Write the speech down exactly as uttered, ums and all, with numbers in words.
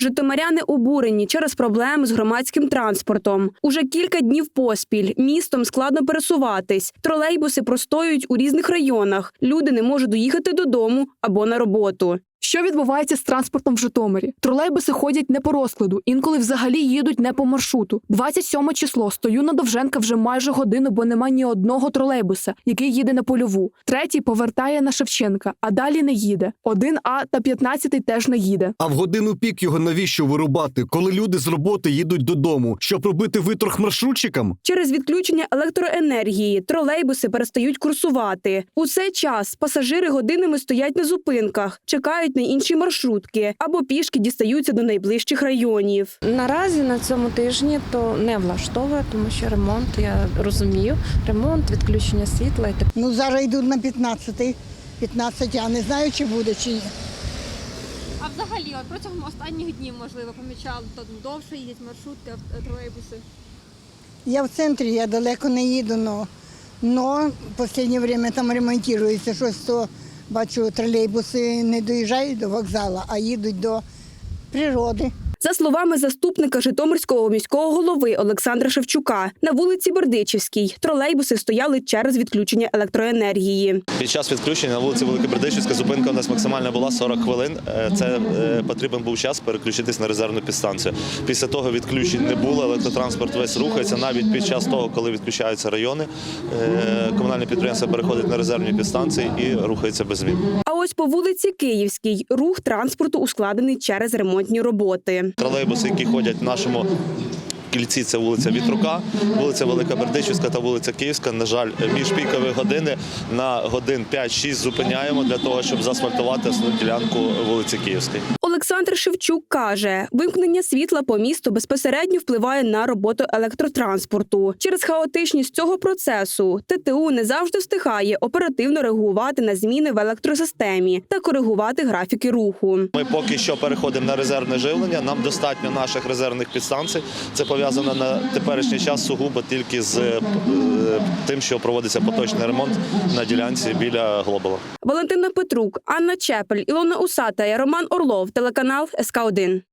Житомиряни обурені через проблеми з громадським транспортом. Уже кілька днів поспіль містом складно пересуватись. Тролейбуси простоюють у різних районах. Люди не можуть доїхати додому або на роботу. Що відбувається з транспортом в Житомирі? Тролейбуси ходять не по розкладу, інколи взагалі їдуть не по маршруту. двадцять сьоме число, стою на Довженка вже майже годину, бо нема ні одного тролейбуса, який їде на Польову. Третій повертає на Шевченка, а далі не їде. один А та п'ятнадцятий теж не їде. А в годину пік його навіщо вирубати, коли люди з роботи їдуть додому? Щоб робити виторг маршрутчикам? Через відключення електроенергії тролейбуси перестають курсувати. У цей час пасажири годинами стоять на зупинках, чекають на інші маршрутки або пішки дістаються до найближчих районів. Наразі на цьому тижні то не влаштовує, тому що ремонт, я розумію, ремонт, відключення світла і так. Ну, зараз йдуть на п'ятнадцятий, п'ятнадцять, я не знаю, чи буде, чи ні. А взагалі, от протягом останніх днів, можливо, помічали, то довше їдять маршрутки, тролейбуси? Я в центрі, я далеко не їду, но, но в останнє час там ремонтується щось, то бачу, тролейбуси не доїжджають до вокзалу, а їдуть до природи. За словами заступника Житомирського міського голови Олександра Шевчука, на вулиці Бердичівській тролейбуси стояли через відключення електроенергії. Під час відключення на вулиці Великобердичівська зупинка у нас максимальна була сорок хвилин. Це потрібен був час переключитись на резервну підстанцію. Після того відключень не було, електротранспорт весь рухається. Навіть під час того, коли відключаються райони, комунальне підприємство переходить на резервні підстанції і рухається без змін. А ось по вулиці Київській рух транспорту ускладнений через ремонтні роботи. Тролейбуси, які ходять в нашому кільці, це вулиця Вітрука, вулиця Велика Бердичівська та вулиця Київська. На жаль, між пікові години на годин п'ять-шість зупиняємо для того, щоб заасфальтувати основну ділянку вулиці Київської. Олександр Шевчук каже, вимкнення світла по місту безпосередньо впливає на роботу електротранспорту. Через хаотичність цього процесу ТТУ не завжди встигає оперативно реагувати на зміни в електросистемі та коригувати графіки руху. Ми поки що переходимо на резервне живлення, нам достатньо наших резервних підстанцій. Це пов'язано на теперішній час сугубо тільки з тим, що проводиться поточний ремонт на ділянці біля Глобала. Валентина Петрук, Анна Чепель, Ілона Усата і Роман Орлов, телеканал ес ка один.